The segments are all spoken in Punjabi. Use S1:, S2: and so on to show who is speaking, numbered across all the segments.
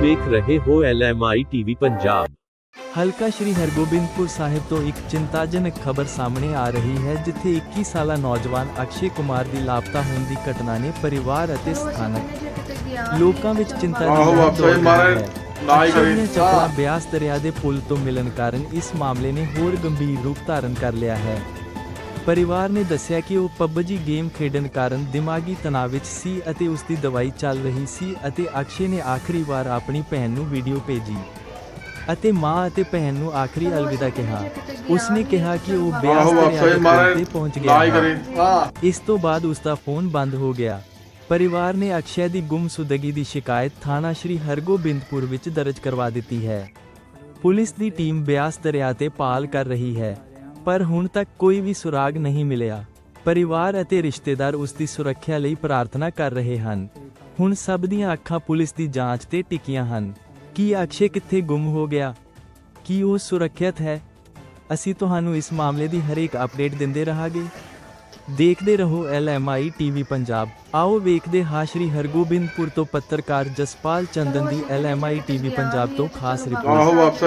S1: ਵੇਖ ਰਹੇ ਹੋ LMI TV ਪੰਜਾਬ।
S2: ਹਲਕਾ ਸ਼੍ਰੀ ਹਰਗੋਬਿੰਦਪੁਰ ਸਾਹਿਬ ਤੋਂ ਇੱਕ ਚਿੰਤਾਜਨਕ ਖਬਰ ਸਾਹਮਣੇ ਆ ਰਹੀ ਹੈ, ਜਿੱਥੇ 21 ਸਾਲਾ ਨੌਜਵਾਨ ਅਕਸ਼ੇ ਕੁਮਾਰ ਦੀ ਲਾਪਤਾ ਹੋਣ ਦੀ ਘਟਨਾ ਨੇ ਪਰਿਵਾਰ ਅਤੇ ਸਥਾਨਕ ਲੋਕਾਂ ਵਿੱਚ ਚਿੰਤਾ ਦੀ ਲਹਿਰ ਦੌੜ ਦਿੱਤੀ ਹੈ। ਅਕਸ਼ੇ ਨੇ ਚੱਪੜਾ ਬਿਆਸ ਦਰਿਆ ਦੇ ਪੁਲ ਤੋਂ ਮਿਲਣ ਕਾਰਨ ਇਸ ਮਾਮਲੇ ਨੇ ਹੋਰ ਗੰਭੀਰ ਰੂਪ ਧਾਰਨ ਕਰ ਲਿਆ ਹੈ। ਪਰਿਵਾਰ ਨੇ ਦੱਸਿਆ ਕਿ ਉਹ PUBG ਗੇਮ ਖੇਡਣ ਕਾਰਨ ਦਿਮਾਗੀ ਤਣਾਅ ਵਿੱਚ ਸੀ ਅਤੇ ਉਸ ਦੀ ਦਵਾਈ ਚੱਲ ਰਹੀ ਸੀ ਅਤੇ ਅਕਸ਼ੇ ਨੇ ਆਖਰੀ ਵਾਰ ਆਪਣੀ ਭੈਣ ਨੂੰ ਵੀਡੀਓ ਭੇਜੀ ਅਤੇ ਮਾਂ ਅਤੇ ਭੈਣ ਨੂੰ ਆਖਰੀ ਅਲਵਿਦਾ ਕਿਹਾ। ਉਸਨੇ ਕਿਹਾ ਕਿ ਉਹ ਬਿਆਸ ਦਰਿਆ ਦੇ ਪੁਲ ਤੇ ਪਹੁੰਚ ਗਿਆ ਹੈ। ਇਸ ਤੋਂ ਬਾਅਦ ਉਸ ਦਾ ਫੋਨ ਬੰਦ ਹੋ ਗਿਆ। ਪਰਿਵਾਰ ਨੇ ਅਕਸ਼ੇ ਦੀ ਗੁੰਮਸ਼ੁਦਗੀ ਦੀ ਸ਼ਿਕਾਇਤ ਥਾਣਾ ਸ਼੍ਰੀ ਹਰਗੋਬਿੰਦਪੁਰ ਵਿੱਚ ਦਰਜ ਕਰਵਾ ਦਿੱਤੀ ਹੈ। ਪੁਲਿਸ ਦੀ ਟੀਮ ਬਿਆਸ ਦਰਿਆ ਤੇ ਭਾਲ ਕਰ ਰਹੀ ਹੈ, ਪਰ ਹੁਣ ਤੱਕ ਕੋਈ ਵੀ ਸੁਰਾਗ ਨਹੀਂ ਮਿਲਿਆ। ਪਰਿਵਾਰ ਅਤੇ ਰਿਸ਼ਤੇਦਾਰ ਉਸ ਦੀ ਸੁਰੱਖਿਆ ਲਈ ਪ੍ਰਾਰਥਨਾ ਕਰ ਰਹੇ ਹਨ। ਹੁਣ ਸਭ ਦੀਆਂ ਅੱਖਾਂ ਪੁਲਿਸ ਦੀ ਜਾਂਚ ਤੇ ਟਿਕੀਆਂ ਹਨ। ਕੀ ਅਕਸ਼ੇ ਕਿੱਥੇ ਗੁੰਮ ਹੋ ਗਿਆ? ਕੀ ਉਹ ਸੁਰੱਖਿਅਤ ਹੈ? ਅਸੀਂ ਤੁਹਾਨੂੰ ਇਸ ਮਾਮਲੇ ਦੀ ਹਰੇਕ ਅਪਡੇਟ ਦਿੰਦੇ ਰਹਾਂਗੇ। ਦੇਖਦੇ ਰਹੋ LMI TV ਪੰਜਾਬ। ਆਓ ਵੇਖਦੇ ਹਾਂ ਸ਼੍ਰੀ ਹਰਗੋਬਿੰਦਪੁਰ ਤੋਂ ਪੱਤਰਕਾਰ ਜਸਪਾਲ ਚੰਦਨ ਦੀ LMI TV ਪੰਜਾਬ ਤੋਂ ਖਾਸ ਰਿਪੋਰਟ।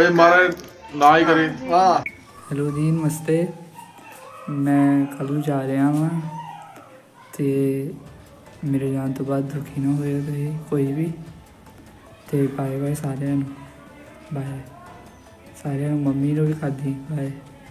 S3: ਹੈਲੋ ਜੀ, ਨਮਸਤੇ। ਮੈਂ ਕੱਲ੍ਹ ਨੂੰ ਜਾ ਰਿਹਾ ਵਾਂ ਅਤੇ ਮੇਰੇ ਜਾਣ ਤੋਂ ਬਾਅਦ ਦੁਖੀ ਨਾ ਹੋਇਓ ਤੁਸੀਂ ਕੋਈ ਵੀ। ਅਤੇ ਬਾਏ ਬਾਏ ਸਾਰਿਆਂ ਨੂੰ, ਬਾਏ ਸਾਰਿਆਂ ਨੂੰ, ਮੰਮੀ ਨੂੰ ਵੀ ਖਾਦੀ ਬਾਏ।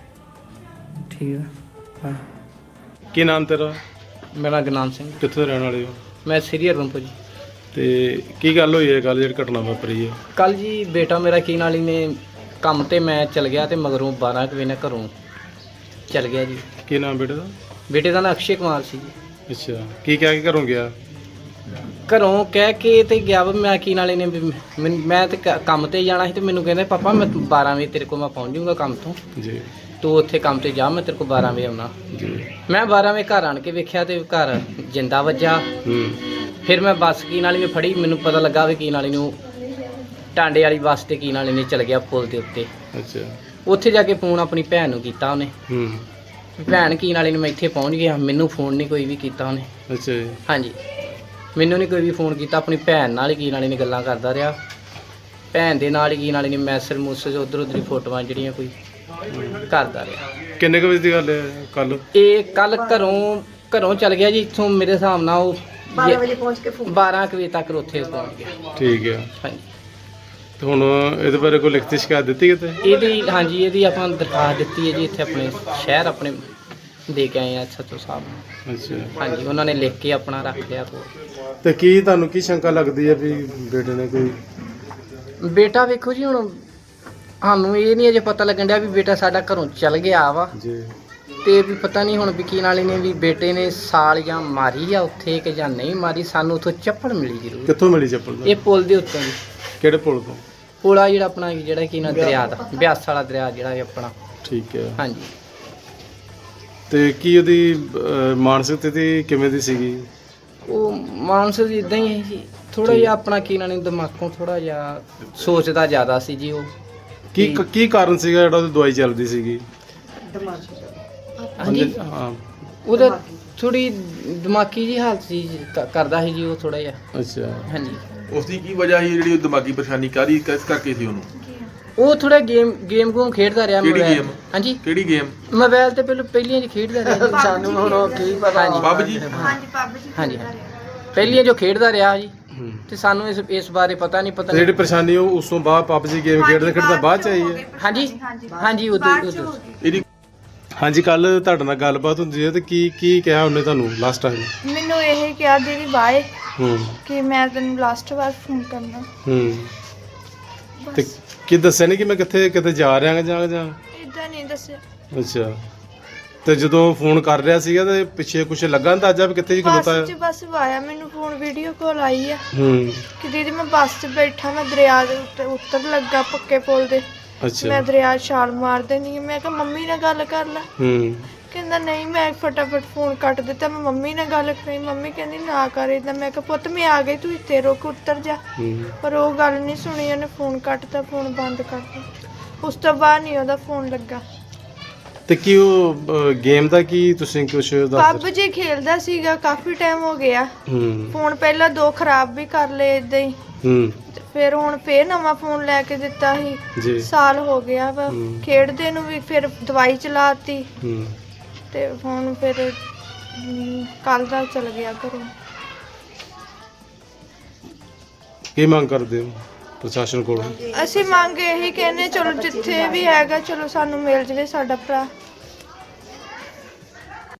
S3: ਠੀਕ ਆ, ਬਾਏ।
S4: ਕੀ ਨਾਮ ਤੇਰਾ?
S5: ਮੇਰਾ ਗੁਰਨਾਮ ਸਿੰਘ।
S4: ਕਿੱਥੋਂ ਦੇ ਰਹਿਣ ਵਾਲੇ ਹੋ?
S5: ਮੈਂ ਸ੍ਰੀ ਹਰਗੋਬਿੰਦਪੁਰ ਜੀ।
S4: ਤੇ ਕੀ ਗੱਲ ਹੋਈ ਹੈ ਕੱਲ ਜਿਹੜੀ ਘਟਨਾ ਵਾਪਰੀ ਹੈ?
S5: ਕੱਲ ਜੀ ਬੇਟਾ ਮੇਰਾ ਕੀ ਨਾਲ ਹੀ ਨੇ ਕੰਮ ਤੇ ਮੈਂ ਚਲ ਗਿਆ ਤੇ ਮਗਰੋਂ 12 ਕੁ ਵਜੇ ਨਾਲ ਘਰੋਂ ਚਲ ਗਿਆ ਜੀ।
S4: ਕੀ ਨਾਮ ਬੇਟੇ ਦਾ?
S5: ਬੇਟੇ ਦਾ ਨਾਂ ਅਕਸ਼ੇ ਕੁਮਾਰ ਸੀ ਜੀ।
S4: ਅੱਛਾ, ਕੀ ਕਹਿ ਕੇ ਘਰੋਂ ਗਿਆ?
S5: ਘਰੋਂ ਕਹਿ ਕੇ ਤੇ ਗਿਆ ਵਾ ਮੈਂ ਕੀ ਨਾਲੇ ਨੇ ਵੀ ਮੈਂ ਤੇ ਕੰਮ ਤੇ ਜਾਣਾ ਸੀ ਤੇ ਮੈਨੂੰ ਕਹਿੰਦੇ ਪਾਪਾ ਮੈਂ 12 ਵਜੇ ਤੇਰੇ ਕੋਲ ਮੈਂ ਪਹੁੰਚ ਜਾਊਂਗਾ ਕੰਮ ਤੋਂ,
S4: ਜੀ
S5: ਤੂੰ ਉੱਥੇ ਕੰਮ ਤੇ ਜਾ, ਮੈਂ ਤੇਰੇ ਕੋਲ 12 ਵਜੇ ਆਉਣਾ।
S4: ਜੀ।
S5: ਮੈਂ 12 ਵਜੇ ਘਰ ਆਣ ਕੇ ਵੇਖਿਆ ਤੇ ਘਰ ਜਿੰਦਾ ਵੱਜਾ। ਫਿਰ ਮੈਂ ਬੱਸ ਕੀ ਨਾਲੇ ਨੇ ਫੜੀ, ਮੈਨੂੰ ਪਤਾ ਲੱਗਾ ਵੀ ਕੀ ਨਾਲੇ ਨੂੰ ਟਾਂਡੇ ਵਾਲੀ ਬੱਸ ਤੇ ਕੀ ਨਾਲੇ ਨੇ ਚਲ ਗਿਆ ਪੁਲ ਦੇ ਉੱਤੇ।
S4: ਅੱਛਾ।
S5: ਉੱਥੇ ਜਾ ਕੇ ਫੋਨ ਆਪਣੀ ਭੈਣ ਨੂੰ ਕੀਤਾ ਉਹਨੇ। ਭੈਣ ਕੀ ਨਾਲੇ ਨੂੰ ਮੈਂ ਇੱਥੇ ਪਹੁੰਚ ਗਿਆ, ਮੈਨੂੰ ਫੋਨ ਨਹੀਂ ਕੋਈ ਵੀ ਕੀਤਾ ਉਹਨੇ।
S4: ਅੱਛਾ ਜੀ। ਹਾਂਜੀ,
S5: ਮੈਨੂੰ ਨਹੀਂ ਕੋਈ ਵੀ ਫੋਨ ਕੀਤਾ, ਆਪਣੀ ਭੈਣ ਨਾਲ ਹੀ ਕੀ ਨਾਲੇ ਨੇ ਗੱਲਾਂ ਕਰਦਾ ਰਿਹਾ। ਭੈਣ ਦੇ ਨਾਲ ਹੀ ਕੀ ਨਾਲੇ ਨੇ ਮੈਸੇਜ ਉੱਧਰ ਉੱਧਰ ਹੀ ਫੋਟੋਆਂ ਜਿਹੜੀਆਂ ਕੋਈ ਕਰਦਾ ਰਿਹਾ।
S4: ਕਿੰਨੇ ਕੁ ਵਜੇ ਦੀ ਗੱਲ ਹੈ ਕੱਲ?
S5: ਇਹ ਕੱਲ ਘਰੋਂ ਚਲ ਗਿਆ ਜੀ ਇੱਥੋਂ, ਮੇਰੇ ਹਿਸਾਬ ਨਾਲ ਉਹ 12 ਵਜੇ ਪਹੁੰਚ ਕੇ 12 ਵਜੇ ਤੱਕ ਉੱਥੇ ਪਹੁੰਚ ਗਿਆ।
S4: ਠੀਕ ਹੈ।
S5: ਹਾਂਜੀ।
S4: ਤੇ ਹੁਣ ਇਹਦੇ ਬਾਰੇ ਕੋਈ ਲਿਖਤੀ ਸ਼ਿਕਾਇਤ ਦਿੱਤੀ ਕਿਤੇ?
S5: ਇਹਦੀ ਆਪਾਂ ਦਰਖਾਸਤ ਦਿੱਤੀ ਹੈ ਜੀ, ਇੱਥੇ ਆਪਣੇ ਸ਼ਹਿਰ ਆਪਣੇ ਦੇ ਕੇ ਆਏ ਆ SHO ਸਾਹਿਬ ਨੂੰ।
S4: ਅੱਛਾ।
S5: ਹਾਂਜੀ, ਉਹਨਾਂ ਨੇ ਲਿਖ ਕੇ ਆਪਣਾ ਰੱਖ ਲਿਆ ਕੋਲ।
S4: ਤੇ ਕੀ ਤੁਹਾਨੂੰ ਕੀ ਸ਼ੰਕਾ ਲੱਗਦੀ ਹੈ ਵੀ ਬੇਟੇ ਨੇ ਕੋਈ?
S5: ਬੇਟਾ ਵੇਖੋ ਜੀ, ਹੁਣ ਸਾਨੂੰ ਇਹ ਨਹੀਂ ਅਜੇ ਪਤਾ ਲੱਗਣ ਡਿਆ ਵੀ ਬੇਟਾ ਸਾਡਾ ਘਰੋਂ ਚਲ ਗਿਆ ਵਾ
S4: ਜੀ।
S5: ਤੇ ਵੀ ਪਤਾ ਨਹੀਂ ਹੁਣ ਵੀ ਕੀ ਨਾਲੇ ਨੇ ਵੀ ਬੇਟੇ ਨੇ ਸਾਲ ਜਾਂ ਮਾਰੀ ਆ ਉੱਥੇ ਕਿ ਜਾਂ ਨਹੀਂ ਮਾਰੀ। ਸਾਨੂੰ ਉੱਥੋਂ ਚੱਪਲ ਮਿਲੀ ਜ਼ਰੂਰ।
S4: ਕਿੱਥੋਂ ਮਿਲੀ ਚੱਪਲ?
S5: ਇਹ ਪੁਲ ਦੇ ਉੱਤੋਂ ਜੀ।
S4: ਕਿਹੜੇ ਪੁਲ ਤੋਂ?
S5: ਪੁਲ ਆ ਜਿਹੜਾ ਆਪਣਾ ਜਿਹੜਾ ਕੀ ਨਾ ਦਰਿਆ ਦਾ, ਬਿਆਸ ਵਾਲਾ ਦਰਿਆ ਜਿਹੜਾ ਆਪਣਾ।
S4: ਠੀਕ ਹੈ।
S5: ਹਾਂਜੀ।
S4: ਤੇ ਕੀ ਉਹਦੀ ਮਾਨਸਿਕ ਸਥਿਤੀ ਕਿਵੇਂ ਦੀ ਸੀਗੀ?
S5: ਉਹ ਮਾਨਸਿਕ ਇਦਾਂ ਹੀ ਹੈ ਜੀ, ਥੋੜਾ ਜਿਹਾ ਆਪਣਾ ਕੀ ਨਾਲੇ ਦਿਮਾਗੋਂ ਥੋੜਾ ਜਿਹਾ ਸੋਚਦਾ ਜ਼ਿਆਦਾ ਸੀ ਜੀ ਉਹ।
S4: ਕੀ ਕਾਰਨ ਸੀਗਾ ਜਿਹੜਾ ਉਹਦੀ ਦਵਾਈ ਚੱਲਦੀ ਸੀਗੀ?
S5: ਹਾਂਜੀ,
S4: ਹਾਂ,
S5: ਉਹਦਾ ਥੋੜੀ ਦਿਮਾਗੀ ਜੀ ਹਾਲਤ ਸੀ, ਕਰਦਾ ਸੀ ਜੀ ਉਹ ਥੋੜਾ ਜਿਹਾ।
S4: ਅੱਛਾ।
S5: ਹਾਂਜੀ।
S6: ਉਸ ਦੀ ਕੀ ਵਜ੍ਹਾ ਸੀ ਜਿਹੜੀ ਉਹ ਦਿਮਾਗੀ ਪਰੇਸ਼ਾਨੀ ਕਾਹਦੀ ਕਿਸ ਕਰਕੇ ਸੀ ਉਹਨੂੰ?
S5: ਉਹ ਥੋੜਾ ਗੇਮ ਗੂਮ ਖੇਡਦਾ ਰਿਹਾ।
S6: ਕਿਹੜੀ
S5: ਮੋਬਾਈਲ।
S6: ਗੇਮ?
S5: ਹਾਂਜੀ,
S6: ਕਿਹੜੀ ਗੇਮ?
S5: ਮੋਬਾਈਲ ਤੇ ਪਹਿਲੀਆਂ ਜੀ ਖੇਡਦਾ ਰਿਹਾ ਜੀ। ਸਾਨੂੰ ਹੁਣ ਉਹ ਕੀ ਪਤਾ।
S6: PUBG?
S5: ਹਾਂਜੀ, ਪਹਿਲੀਆਂ ਜੋ ਖੇਡਦਾ ਰਿਹਾ ਜੀ, ਤੇ ਸਾਨੂੰ ਇਸ ਬਾਰੇ ਪਤਾ ਨਹੀਂ। ਪਤਾ
S4: ਜਿਹੜੀ ਪਰੇਸ਼ਾਨੀ ਉਹ ਉਸ ਤੋਂ ਬਾਅਦ PUBG ਗੇਮ ਖੇਡਦਾ ਬਾਅਦ ਚ ਆਈ ਹੈ?
S5: ਹਾਂਜੀ ਉਦੋਂ
S6: ਇਹਦੀ
S4: ਹਾਂਜੀ, ਕੱਲ ਤੁਹਾਡੇ ਨਾਲ ਗੱਲਬਾਤ ਹੁੰਦੀ ਹੈ ਤੇ ਕੀ ਕਿਹਾ ਉਹਨੇ ਤੁਹਾਨੂੰ ਲਾਸਟ ਟਾਈਮ?
S7: ਮੈਨੂੰ ਇਹ ਕਿਹਾ ਦੀਦੀ ਬਾਏ, ਕਿ ਮੈਂ ਤੈਨੂੰ ਲਾਸਟ ਵਾਰ ਫੋਨ ਕਰਨਾ।
S4: ਤੇ ਕੀ ਦੱਸਿਆ ਨਹੀਂ ਕਿ ਮੈਂ ਕਿਤੇ ਜਾ ਰਿਹਾ ਜਾਂ
S7: ਇਦਾਂ ਨਹੀਂ ਦੱਸਿਆ।
S4: ਅੱਛਾ। ਤੇ ਜਦੋਂ ਫੋਨ ਕਰ ਰਿਹਾ ਸੀਗਾ ਤੇ ਪਿੱਛੇ ਕੁਝ ਲੱਗਾ ਅੰਦਾਜ਼ਾ ਵੀ ਕਿੱਥੇ ਜੀ ਖਲੋਤਾ ਹੈ?
S7: ਬਸ ਆਇਆ ਮੈਨੂੰ ਫੋਨ, ਵੀਡੀਓ ਕਾਲ ਆਈ ਆ ਕਿ ਦੀਦੀ ਮੈਂ ਬੱਸ 'ਚ ਬੈਠਾ, ਮੈਂ ਦਰਿਆ ਦੇ ਉੱਤੇ ਉੱਤਰ ਲੱਗਾ ਪੱਕੇ ਪੁਲ ਦੇ।
S4: ਅੱਛਾ।
S7: ਮੈਂ ਦਰਿਆ ਛਾਲ ਮਾਰ ਦੇਣੀ। ਮੈਂ ਕਿਹਾ ਮੰਮੀ ਨਾਲ ਗੱਲ ਕਰ ਲੈ। ਕਹਿੰਦਾ ਨਹੀਂ, ਮੈਂ ਫਟਾਫਟ ਫੋਨ ਕੱਟ ਦਿੱਤਾ, ਮੈਂ ਮੰਮੀ ਨਾਲ ਗੱਲ ਕਰੀ। ਮੰਮੀ ਕਹਿੰਦੀ ਨਾ ਕਰ ਏਦਾਂ। ਮੈਂ ਕਿਹਾ ਪੁੱਤ ਮੈਂ ਆ ਗਈ, ਤੂੰ ਇੱਥੇ ਰੁਕ, ਉੱਤਰ ਜਾ। ਪਰ ਉਹ ਗੱਲ ਨਹੀਂ ਸੁਣੀ, ਉਹਨੇ ਫੋਨ ਕੱਟਤਾ, ਫੋਨ ਬੰਦ ਕਰਤਾ। ਉਸ ਤੋਂ ਬਾਅਦ ਨਹੀਂ ਉਹਦਾ ਫੋਨ ਲੱਗਾ।
S4: ਤੇ ਕੀ ਉਹ ਗੇਮ ਦਾ ਕੀ ਤੁਸੀਂ ਕੁਝ ਦੱਸ?
S7: PUBG ਖੇਲਦਾ ਸੀਗਾ, ਕਾਫੀ ਟਾਈਮ ਹੋ ਗਿਆ। ਫੋਨ ਪਹਿਲਾਂ 2 ਖਰਾਬ ਵੀ ਕਰ ਲਏ ਇਦਾਂ ਹੀ। ਫਿਰ ਹੁਣ ਫੇਰ ਨਵਾਂ ਫੋਨ ਲੈ ਕੇ ਦਿੱਤਾ ਸੀ
S4: ਜੀ
S7: ਸਾਲ ਹੋ ਗਿਆ ਵਾ ਖੇਡਦੇ ਨੂੰ ਵੀ, ਫਿਰ ਦਵਾਈ ਚਲਾਤੀ
S4: ਹੂੰ
S7: ਤੇ ਹੁਣ ਫਿਰ ਕੱਲ ਦਾ ਚਲ ਗਿਆ ਘਰੋਂ।
S4: ਕੀ ਮੰਗ ਕਰਦੇ ਹੋ ਪ੍ਰਸ਼ਾਸਨ ਕੋਲੋਂ?
S7: ਅਸੀਂ ਮੰਗ ਇਹੀ ਕਹਿੰਦੇ ਚਲੋ ਜਿੱਥੇ ਵੀ ਹੈਗਾ ਚਲੋ ਸਾਨੂੰ ਮਿਲ ਜਵੇ ਸਾਡਾ ਭਰਾ।